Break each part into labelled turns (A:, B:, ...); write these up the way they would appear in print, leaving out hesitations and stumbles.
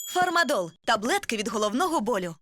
A: Фармадол – таблетки від головного болю.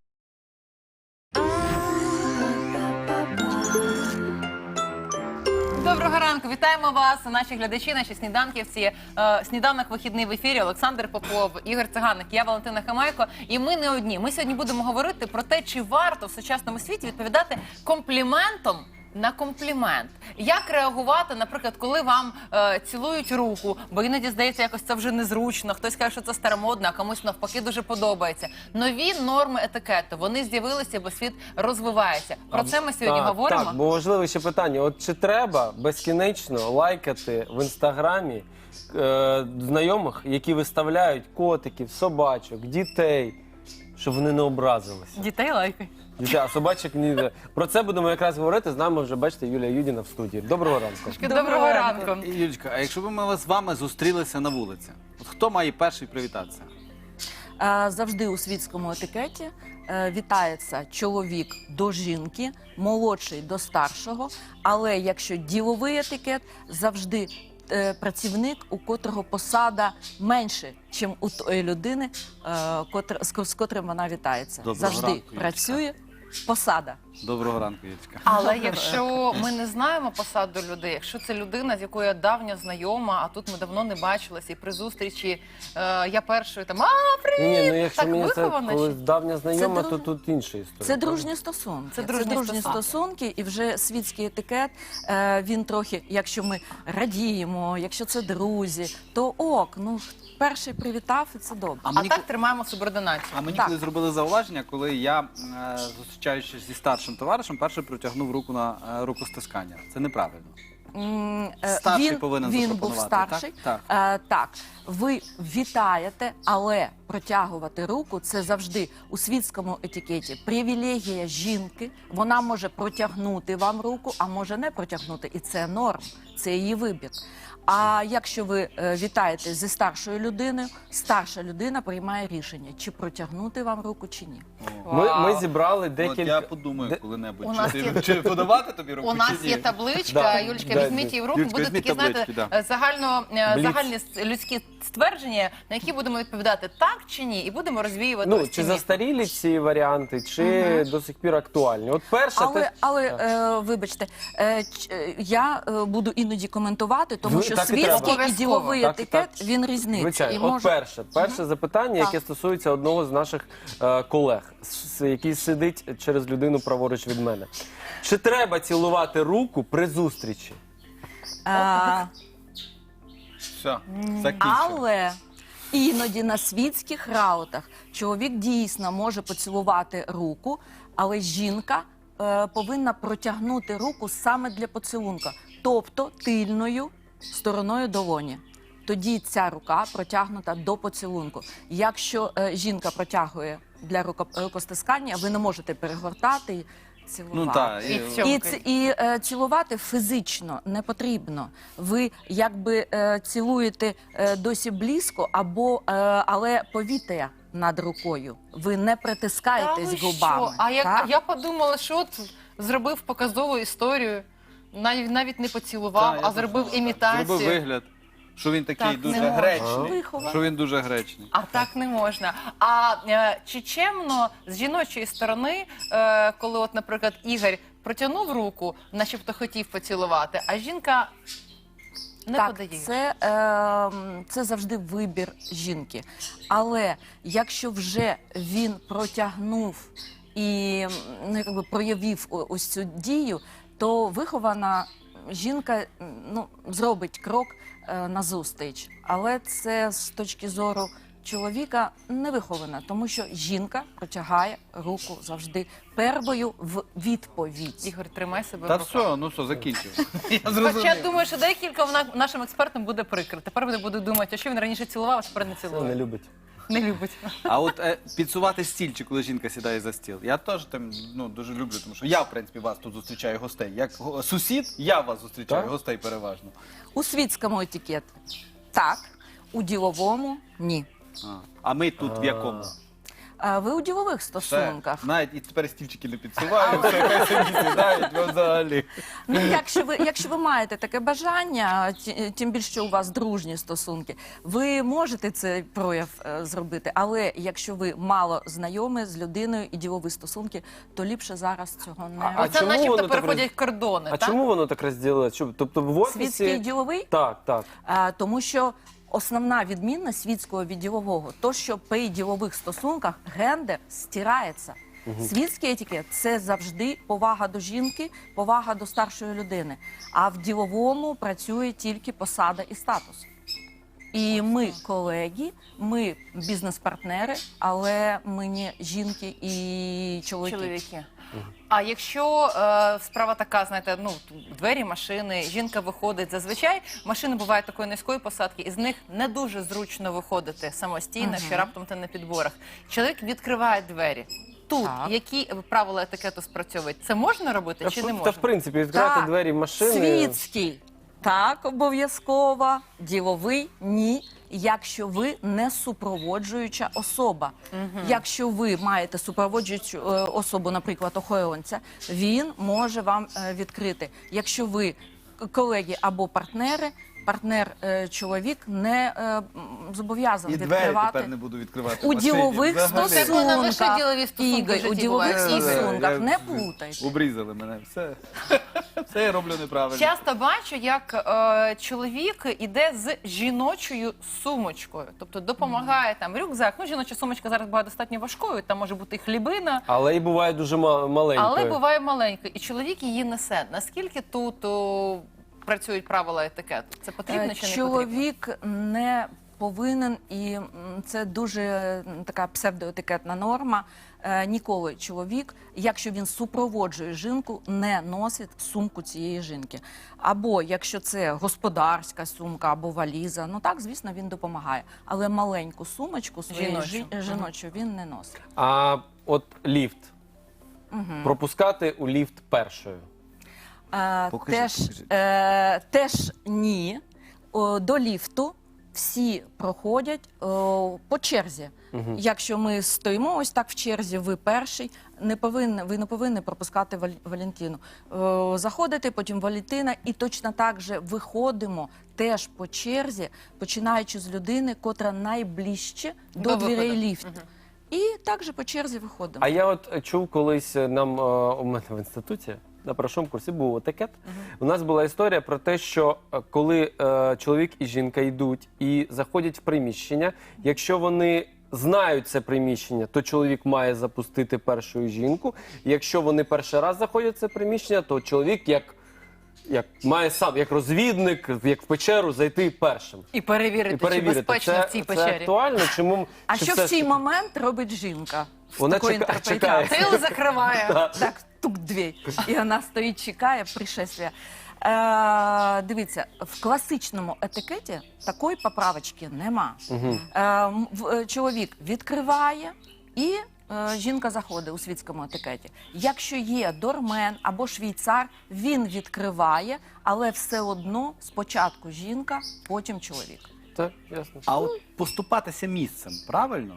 B: Доброго ранку, вітаємо вас, наші глядачі, наші сніданківці. Сніданок вихідний в ефірі. Олександр Попов, Ігор Циганик, я Валентина Хамайко. І ми не одні. Ми сьогодні будемо говорити про те, чи варто в сучасному світі відповідати компліментом на комплімент. Як реагувати, наприклад, коли вам цілують руку, бо іноді, здається, якось це вже незручно, хтось каже, що це старомодно, а комусь навпаки дуже подобається. Нові норми етикету, вони з'явилися, бо світ розвивається. Про це ми сьогодні говоримо.
C: Так, бо важливе ще питання. От чи треба безкінечно лайкати в Інстаграмі знайомих, які виставляють котиків, собачок, дітей, щоб вони не образилися?
B: Дітей лайкай.
C: А собачок ні. Про це будемо якраз говорити. З нами вже, бачите, Юлія Юдіна в студії. Доброго ранку.
B: Доброго ранку.
D: Юлічка, а якщо б ми з вами зустрілися на вулиці, от хто має перший привітатися?
E: Завжди у світському етикеті вітається чоловік до жінки, молодший до старшого, але якщо діловий етикет, завжди працівник, у котрого посада менше, ніж у тої людини, з котрим вона вітається.
D: Доброго
E: Завжди
D: ранку, Юлічка.
E: працює посада.
D: Доброго ранку, Юлічка.
B: Але якщо ми не знаємо посаду людей, якщо це людина, з якою я давня знайома, а тут ми давно не бачилися, і при зустрічі я першою там, привіт!
C: Ні, ну якщо
B: Так
C: мені це
B: виховано
C: коли
B: чи?
C: давня знайома,
E: Це
C: то тут інша історія.
E: Це дружні стосунки.
B: Це дружні
E: стосунки, і вже світський етикет, він трохи, якщо ми радіємо, якщо це друзі, то ок, ну перший привітав, і це добре.
B: А так тримаємо субординацію.
D: А мені
E: Так.
D: коли зробили зауваження, коли я, зустрічаючись зі старшим товаришем, перше протягнув руку на рукостискання. Це неправильно. Старший повинен
E: він був
D: запропонувати,
E: старший.
D: так?
E: Так, ви вітаєте, але протягувати руку – це завжди у світському етикеті привілегія жінки. Вона може протягнути вам руку, а може не протягнути. І це норм, це її вибір. А якщо ви вітаєте зі старшою людиною, старша людина приймає рішення, чи протягнути вам руку, чи ні.
C: Ми зібрали
D: От
C: декілька...
D: я подумаю коли-небудь,
B: У нас
D: чи подавати тобі руку,
B: У нас
D: чи ні?
B: є табличка,
C: Да,
B: Юлічка,
C: да,
B: візьміть її в руку,
D: Юлічка,
B: будуть
D: візьміть
B: такі, знаєте,
D: таблички,
B: загальні людські ствердження, на які будемо відповідати так чи ні, і будемо розвіювати
C: Ну,
B: ось ці
C: чи
B: міфи.
C: застарілі ці варіанти, чи до сих пір актуальні? От перше...
E: Вибачте, я буду іноді коментувати, тому
C: Ви-
E: що
C: так і
E: світський
B: треба.
E: і діловий
C: Так,
E: етикет,
C: так.
E: він різниця.
C: Звичайно.
E: І
C: От перше запитання, яке
E: Так.
C: стосується одного з наших колег, який сидить через людину праворуч від мене. Чи треба цілувати руку при зустрічі?
D: Все, закінчив.
E: Але іноді на світських раутах чоловік дійсно може поцілувати руку, але жінка повинна протягнути руку саме для поцілунка, тобто тильною стороною долоні. Тоді ця рука протягнута до поцілунку. Якщо жінка протягує для рукостискання, ви не можете перегортати і цілувати.
D: Ну так,
B: І в цьому.
E: І цілувати фізично не потрібно. Ви якби цілуєте досі близько, але повітря над рукою. Ви не притискаєтесь
B: Та ви
E: губами.
B: що? А
E: так?
B: я подумала, що от зробив показову історію, навіть не поцілував,
D: Так,
B: а
D: я
B: зробив
D: теж так.
B: імітацію.
D: Зробив вигляд, що він такий
B: Так не
D: дуже
B: можна.
D: гречний.
E: Виховав.
D: Що він дуже гречний.
B: А так не можна. А чи чемно з жіночої сторони, коли, от, наприклад, Ігор протягнув руку, начебто хотів поцілувати, а жінка не
E: Так,
B: подає?
E: це завжди вибір жінки. Але якщо вже він протягнув і якби проявив ось цю дію, то вихована жінка зробить крок назустріч. Але це з точки зору чоловіка не вихована, тому що жінка протягає руку завжди первою в відповідь.
B: Ігор, тримай себе
D: Та
B: в руках.
D: все, закінчив. Я
B: Хоча
D: зрозумів.
B: думаю, що декілька нашим експертам буде прикро. Тепер вони будуть думати, а що він раніше цілував, а тепер не
C: Не
B: цілує.
C: любить.
B: Не любить.
D: А от підсувати стільчик, коли жінка сідає за стіл, я теж там дуже люблю, тому що я, в принципі, вас тут зустрічаю гостей. Як сусід, я вас зустрічаю
C: Так?
D: гостей переважно.
E: У світському етикеті так, у діловому ні.
D: А ми тут в якому?
E: Ви у ділових
D: Все.
E: стосунках.
D: Навіть і тепер стільчики не підсуваю, все, хай собі сідають, ви взагалі.
E: Ну, якщо ви маєте таке бажання, тим більше, що у вас дружні стосунки, ви можете цей прояв зробити, але якщо ви мало знайомі з людиною і ділові стосунки, то ліпше зараз цього не
C: А
B: Оце
C: чому
B: начебто
C: воно так
B: переходять кордони,
C: А
B: так?
C: чому воно так розділилось? Тобто в офісі...
E: світський і діловий.
C: Так.
E: Тому що основна відмінність світського від ділового – то, що при ділових стосунках гендер стирається. Світський етикет – це завжди повага до жінки, повага до старшої людини. А в діловому працює тільки посада і статус. І ми колеги, ми бізнес-партнери, але ми не жінки і чоловіки.
B: А якщо справа така, знаєте, ну, двері машини, жінка виходить, зазвичай машини бувають такої низької посадки, і з них не дуже зручно виходити самостійно, що раптом ти на підборах. Чоловік відкриває двері. Тут
E: Так.
B: які правила етикету спрацьовують? Це можна робити чи не
C: Та
B: можна?
C: в принципі відкривати
E: Так,
C: двері машини...
E: світський так, обов'язково, діловий ні, якщо ви не супроводжуюча особа. Якщо ви маєте супроводжуючу особу, наприклад, охоронця, він може вам відкрити. Якщо ви колеги або партнери, партнер-чоловік не зобов'язаний
D: І двері
E: відкривати.
D: тепер не буду відкривати.
E: У
D: в машині.
E: ділових
D: Взагалі.
B: Так воно лише
E: стосунках,
B: ділові стосунки в
E: Ігор,
B: житті
E: у ділових
B: бувають.
E: стосунках,
D: Я-
E: не плутайте.
D: Обрізали мене, все. Все я роблю неправильно.
B: Часто бачу, як чоловік іде з жіночою сумочкою, тобто допомагає там рюкзак. Ну, жіноча сумочка зараз буває достатньо важкою, там може бути і хлібина,
C: Але і буває дуже маленькою.
B: але буває маленькою, і чоловік її несе. Наскільки тут працюють правила етикету? Це потрібно чи не потрібно?
E: Чоловік не повинен, і це дуже така псевдоетикетна норма. Ніколи чоловік, якщо він супроводжує жінку, не носить сумку цієї жінки. Або якщо це господарська сумка або валіза, ну так, звісно, він допомагає. Але маленьку сумочку свою жіночу він не носить.
C: А от ліфт. Пропускати у ліфт першою.
D: Покажіть.
E: Теж ні. До ліфту всі проходять по черзі. Якщо ми стоїмо ось так в черзі, ви перший, ви не повинні пропускати Валентину. Заходите, потім Валентина, і точно так же виходимо теж по черзі, починаючи з людини, котра найближче до дверей ліфту. І також по черзі виходимо.
C: А я от чув колись нам у мене в інституті на першому курсі був етикет. У нас була історія про те, що коли чоловік і жінка йдуть і заходять в приміщення, якщо вони знають це приміщення, то чоловік має запустити першою жінку. Якщо вони перший раз заходять в це приміщення, то чоловік як має сам, як розвідник, як в печеру, зайти першим.
B: І перевірити, чи безпечно в цій
C: Це
B: печері.
C: актуально? Чому?
E: А
C: чи
E: що
C: все
E: в
C: ж
E: цей
C: таки-
E: момент робить жінка?
C: Вона
E: Такої
C: чекає.
E: інтерпретації.
B: Тил закриває.
E: Так, тук-дві. І вона стоїть, чекає пришествия. Дивіться, в класичному етикеті такої поправочки нема. Чоловік відкриває і жінка заходить у світському етикеті. Якщо є дормен або швейцар, він відкриває, але все одно спочатку жінка, потім чоловік.
C: Так, ясно.
D: А от поступатися місцем, правильно?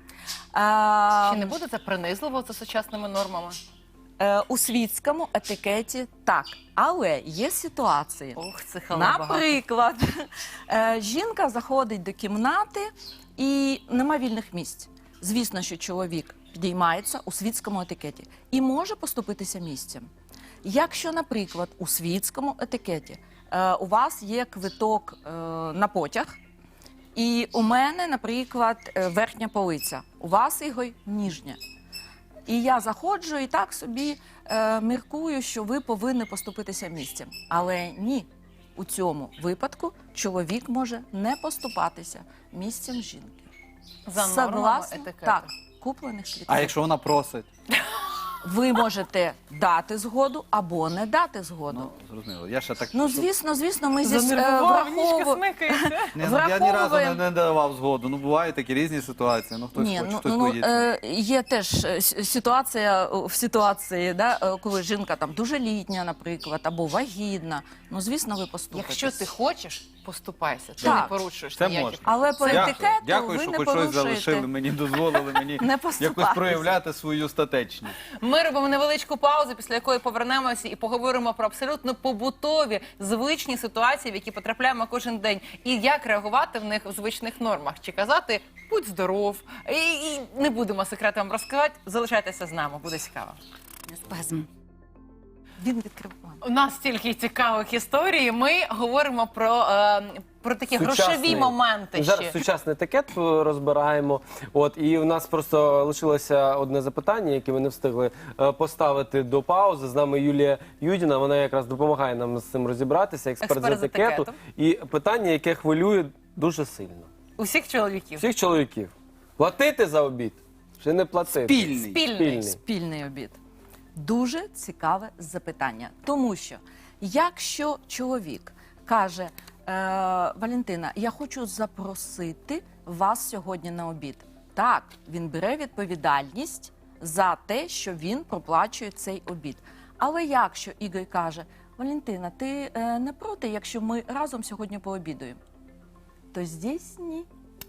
B: Чи не буде це принизливо за сучасними нормами?
E: У світському етикеті так, але є ситуації.
B: Ох, це багато.
E: Наприклад, жінка заходить до кімнати і нема вільних місць. Звісно, що чоловік підіймається у світському етикеті і може поступитися місцем. Якщо, наприклад, у світському етикеті у вас є квиток на потяг, і у мене, наприклад, верхня полиця, у вас, Ігор, ніжня. І я заходжу і так собі міркую, що ви повинні поступитися місцем. Але ні, у цьому випадку чоловік може не поступатися місцем жінки.
B: За нормами
E: Согласно,
B: етикету.
E: так, куплених квитків.
D: А якщо вона просить?
E: Ви можете дати згоду або не дати згоду.
D: Ну, зрозуміло. Я ще так...
E: Ну, звісно, ми зі
B: Занервував, ніжка
E: враховуємо.
B: смикається.
D: Ні, ну, я ні разу
E: враховуємо.
D: не давав згоду. Ну, бувають такі різні ситуації. Ну, хтось
E: Ні,
D: хоче, хтось боїться.
E: є теж ситуація в ситуації, да, коли жінка там дуже літня, наприклад, або вагітна. Ну, звісно, ви поступитесь.
B: Якщо ти хочеш, поступайся. Ти
E: Так.
B: не порушуєш
D: Це
B: ніякі.
D: можна.
E: Але по
D: Дякую.
E: етикету
D: Дякую,
E: ви
D: що
E: не
D: хоч щось
E: порушуєте.
D: залишили мені, дозволили мені
E: Не
D: якось
E: поступайтеся.
D: проявляти свою статечність.
B: Ми робимо невеличку паузу, після якої повернемося і поговоримо про абсолютно побутові, звичні ситуації, в які потрапляємо кожен день, і як реагувати в них в звичних нормах. Чи казати «будь здоров», і не будемо секрети вам розказати. Залишайтеся з нами, буде цікаво.
A: Спазм.
E: Він відкрив.
B: У нас стільки цікавих історій. Ми говоримо про такі грошові моменти.
C: Зараз
B: ще.
C: сучасний етикет розбираємо. От, і у нас просто лишилося одне запитання, яке ми не встигли поставити до паузи. З нами Юлія Юдіна, вона якраз допомагає нам з цим розібратися, експерт з етикету. І питання, яке хвилює дуже сильно.
B: Усіх чоловіків.
C: Всіх чоловіків. Платити за обід чи не платити?
B: Спільний.
E: Спільний обід. Дуже цікаве запитання. Тому що, якщо чоловік каже, Валентина, я хочу запросити вас сьогодні на обід. Так, він бере відповідальність за те, що він проплачує цей обід. Але якщо Ігор каже, Валентина, ти не проти, якщо ми разом сьогодні пообідуємо? То здесь ні.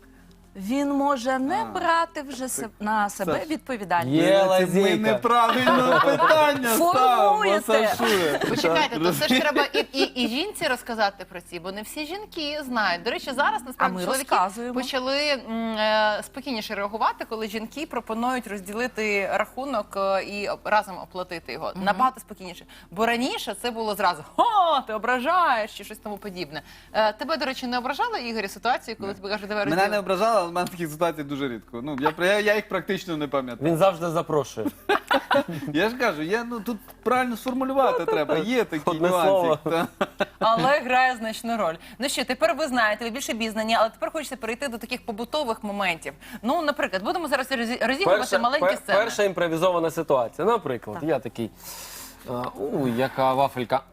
E: Він може не брати вже на себе
D: Саш,
E: відповідальність.
C: Є
D: Ми
C: лазейка.
D: неправильно питання ставимо,
E: Формуєте.
D: Сашує.
B: Почекайте, то це ж треба і жінці розказати про ці, бо не всі жінки знають. До речі, зараз
E: А
B: насправді
E: ми
B: чоловіки
E: розказуємо.
B: почали спокійніше реагувати, коли жінки пропонують розділити рахунок і разом оплатити його. Набагато спокійніше. Бо раніше це було зразу «Ха, ти ображаєш» чи щось тому подібне. Тебе, до речі, не ображала, Ігорі, ситуацію, коли тобі кажуть, давай
D: Мене
B: розділимо?
D: не ображали, але в мене таких ситуацій дуже рідко. Ну, я їх практично не пам'ятаю.
C: Він завжди запрошує.
D: Я ж кажу, тут правильно сформулювати треба. Є такі
C: Одне слово.
D: нюанси.
B: Але грає значну роль. Ну що, тепер ви знаєте, ви більше обізнані, але тепер хочеться перейти до таких побутових моментів. Ну, наприклад, будемо зараз розігрувати маленькі сцени.
C: Перша імпровізована ситуація. Наприклад, я такий, яка вафелька.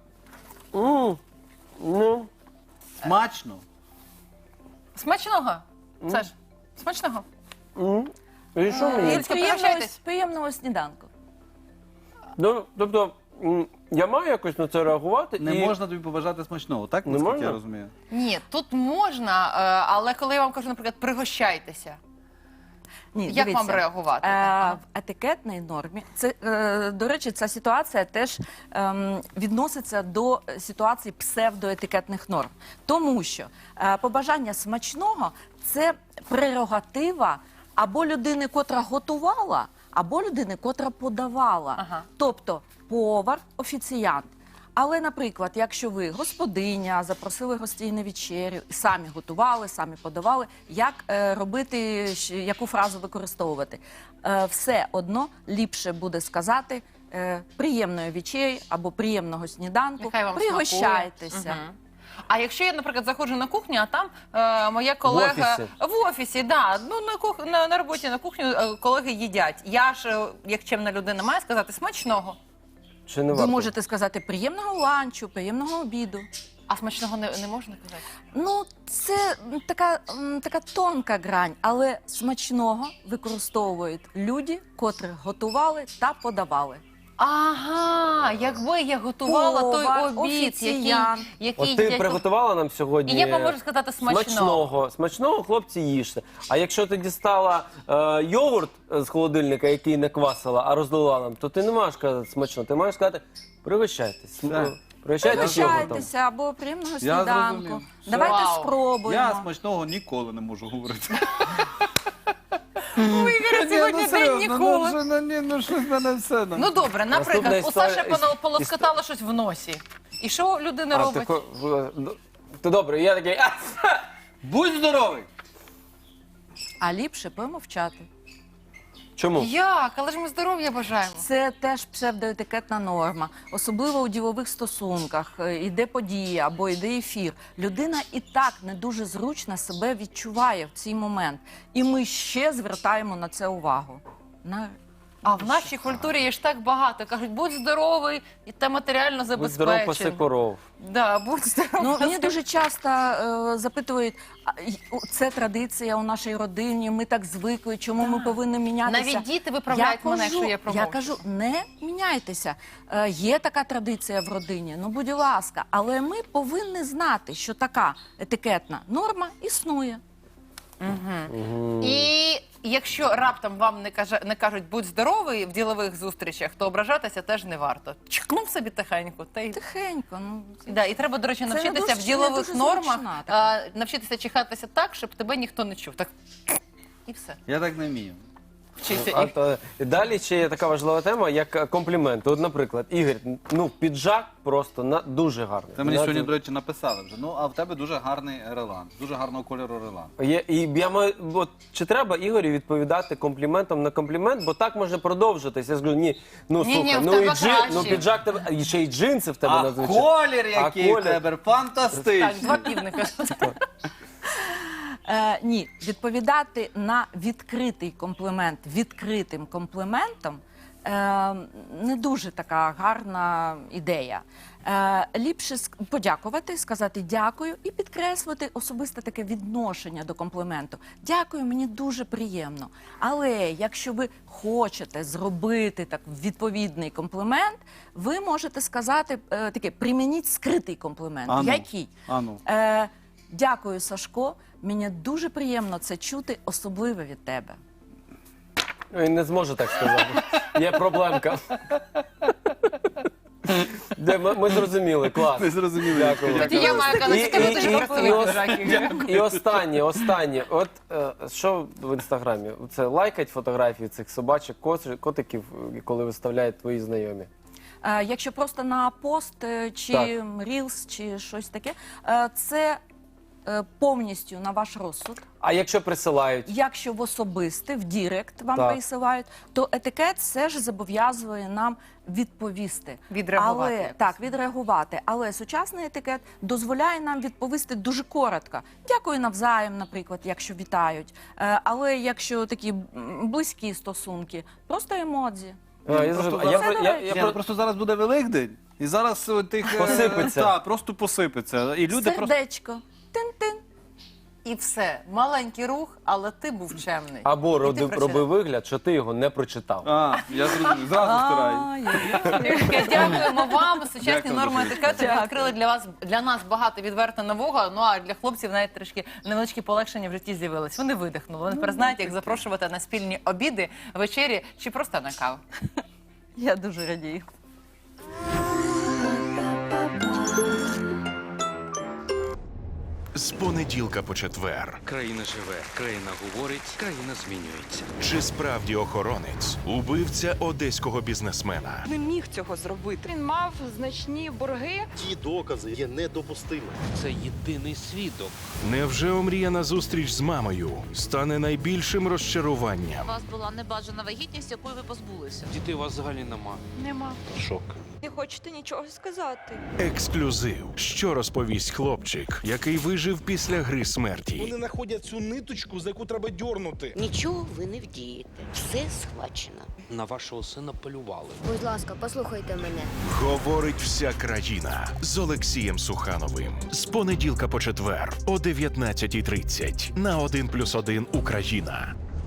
C: Ну,
D: Смачно.
B: Смачного, Саш? Смачного?
C: і що мені?
B: Юльська, пригощайтесь.
E: Приємного сніданку.
C: Ну, тобто, я маю якось на це реагувати.
D: Не
C: і...
D: можна тобі побажати смачного, так?
C: Не
D: Наскільки
C: можна?
D: я розумію.
B: Ні, тут можна, але коли я вам кажу, наприклад, пригощайтеся,
E: Ні,
B: як
E: дивіться,
B: вам реагувати?
E: В етикетній нормі, це, до речі, ця ситуація теж відноситься до ситуації псевдоетикетних норм. Тому що побажання смачного – це прерогатива або людини, котра готувала, або людини, котра подавала.
B: Ага.
E: Тобто повар, офіціант. Але, наприклад, якщо ви господиня, запросили гостей на вечерю, самі готували, самі подавали, як робити, яку фразу використовувати? Все одно ліпше буде сказати приємної вечері або приємного сніданку,
B: Нехай вам
E: пригощайтеся.
B: смакує. Мгм. А якщо я, наприклад, заходжу на кухню, а там моя колега в офісі, да, ну на роботі на кухню колеги їдять. Я ж, як чемна людина, маю сказати смачного.
C: Чи не
E: Ви
C: варто?
E: можете сказати приємного ланчу, приємного обіду.
B: А смачного не можна казати?
E: Ну, це така тонка грань, але смачного використовують люди, котрі готували та подавали.
B: Ага, якби я готувала той
E: Повар,
B: обід,
E: офіціант.
B: який
C: От ти
B: їдять.
C: приготувала нам сьогодні.
B: І я вам можу сказати смачного.
C: Смачного, хлопці, їжте. А якщо ти дістала йогурт з холодильника, який не квасила, а розлила нам, то ти не маєш казати смачно. Ти маєш сказати, пригощайтесь.
D: Так.
C: Пригощайтесь йогуртом.
E: Пригощайтеся або приємного
D: Я
E: сніданку.
D: зрозумів.
E: Давайте
B: Вау.
E: спробуємо.
D: Я смачного ніколи не можу говорити.
B: У Ігоря сьогодні день ніколи.
D: Ну щось в мене все.
B: Ну добре, наприклад,
C: Наступна
B: у Саші
C: історія-
B: полоскотало щось в носі. І що людина
C: А,
B: робить?
C: то добре, я такий.
D: Будь здоровий!
E: А ліпше помовчати.
C: Чому?
B: Як? Але ж ми здоров'я бажаємо.
E: Це теж псевдоетикетна норма, особливо у ділових стосунках. Іде подія або йде ефір. Людина і так не дуже зручно себе відчуває в цей момент. І ми ще звертаємо на це увагу.
B: А в нашій культурі є ж так багато. Кажуть, будь здоровий і та матеріально
C: Будь здоров, паси
B: забезпечений.
C: коров.
B: Да, будь здоровий.
E: Ну, мені дуже часто запитують, це традиція у нашій родині, ми так звикли, чому ми повинні мінятися?
B: Навіть діти виправляють мене, якщо я промовчу.
E: Я кажу, не міняйтеся. Є така традиція в родині, ну будь ласка, але ми повинні знати, що така етикетна норма існує.
B: І якщо раптом вам не кажуть будь здоровий в ділових зустрічах, то ображатися теж не варто. Чкнув собі тихенько. Та й...
E: Тихенько, ну
B: Да, і треба, до речі,
E: Це
B: навчитися
E: не
B: в
E: дуже-
B: ділових
E: не дуже
B: нормах,
E: зручна така.
B: навчитися чихатися так, щоб тебе ніхто не чув. Так і все.
D: Я так не вмію.
B: Вчися.
C: А то далі ще є така важлива тема, як компліменти. От, наприклад, Ігор, ну піджак просто дуже гарний.
D: Це мені
C: На-
D: сьогодні, до речі, написали вже. Ну, а в тебе дуже гарний релан, дуже гарного кольору релан.
C: І я маю, от, чи треба Ігорю відповідати компліментом на комплімент, бо так може продовжитись. Я скажу, ні, ну
B: Ні,
C: слухай,
B: в
C: ну
B: тебе
C: і
B: краще.
C: ну піджак тебе, і ще й джинси в тебе
D: А
C: надзвичайно.
D: колір який
C: колір?
D: в тебе
B: Так,
D: фантастичний.
B: два півника.
E: Ні, відповідати на відкритий комплімент відкритим компліментом не дуже така гарна ідея. Ліпше подякувати, сказати дякую і підкреслити особисте таке відношення до компліменту. Дякую, мені дуже приємно. Але якщо ви хочете зробити так відповідний комплімент, ви можете сказати таке, примініть скритий комплімент.
D: Ану,
E: Який?
D: ану.
E: Дякую, Сашко. Мені дуже приємно це чути, особливо від тебе.
C: Він не зможе так сказати. Є проблемка. Ми зрозуміли, клас.
D: Ми зрозуміли.
C: Дякую.
B: Тоді я маю казати, скажи, ти ж красивий піджак, Ігор.
C: І останнє. От що в інстаграмі? Це лайкать фотографії цих собачок, котиків, коли виставляють твої знайомі.
E: Якщо просто на пост чи
C: Так.
E: рілс, чи щось таке, це повністю на ваш розсуд.
C: А якщо присилають?
E: Якщо в особисте, в Дірект вам
C: Так.
E: присилають, то етикет все ж зобов'язує нам відповісти.
B: Відреагувати
E: Але,
B: якось.
E: так, відреагувати. Але сучасний етикет дозволяє нам відповісти дуже коротко. Дякую навзаєм, наприклад, якщо вітають. Але якщо такі близькі стосунки, просто емодзі.
C: Я зрозумів. А
D: Ні, ну, просто зараз буде Великдень, і зараз тих
C: Посипеться.
D: Так, просто посипеться. І люди просто
E: Сердечко. Тин-тин.
B: І все. Маленький рух, але ти був чемний.
C: Або
B: І ти прочитав.
C: роби вигляд, що ти його не прочитав.
D: я зрозумів, зразу стирай.
E: Ай-яй-яй.
B: Дякуємо вам. Сучасні
D: Дякую
B: норми
D: дуже.
B: етикету
E: Дякую.
B: відкрили для нас багато відверто нового. Ну а для хлопців навіть трішки невеличкі полегшення в житті з'явились. Вони видихнули. Вони тепер знають, як запрошувати на спільні обіди, вечері чи просто на каву.
E: Я дуже радію.
F: З понеділка по четвер.
G: Країна живе, країна говорить, країна змінюється.
F: Чи справді охоронець убивця одеського бізнесмена?
H: Не міг цього зробити. Він мав значні борги.
I: Ті докази є недопустимими.
G: Це єдиний свідок.
F: Невже омріяна зустріч з мамою стане найбільшим
J: У
F: розчаруванням?
J: вас була небажана вагітність, якої ви позбулися.
G: Дітей у вас взагалі нема.
H: Нема.
G: Шок.
H: Не хочете нічого сказати.
F: Ексклюзив. Що розповість хлопчик, який вижив після гри смерті?
I: Вони знаходять цю ниточку, за яку треба дьорнути.
K: Нічого ви не вдієте. Все схвачено.
G: На вашого сина полювали.
K: Будь ласка, послухайте мене.
F: Говорить вся країна з Олексієм Сухановим. З понеділка по четвер о 19:30 на 1+1 Україна.